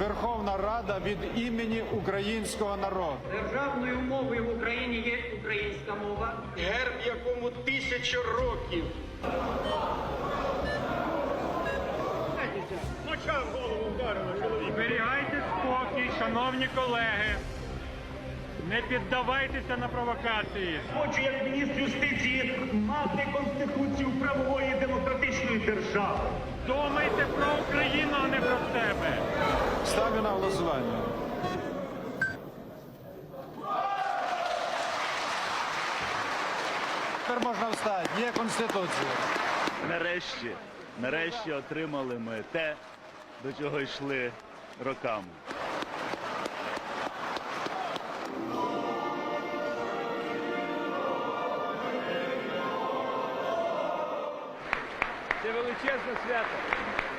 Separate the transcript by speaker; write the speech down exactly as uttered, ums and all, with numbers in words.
Speaker 1: Верховна Рада від імені українського народу.
Speaker 2: Державною мовою в Україні є українська мова.
Speaker 3: Герб, якому тисячу років. Моча в голову вдарила чоловік.
Speaker 4: Зберігайте спокій, шановні колеги. Не піддавайтеся на провокації.
Speaker 3: Хочу, як міністр юстиції, мати Конституцію правової демократичної держави.
Speaker 4: Думайте про Україну, а не про себе.
Speaker 1: Ставлю на голосування. Тепер можна встати. Є Конституція.
Speaker 5: Нарешті, нарешті отримали ми те, до чого йшли роками.
Speaker 4: Це величезне свято.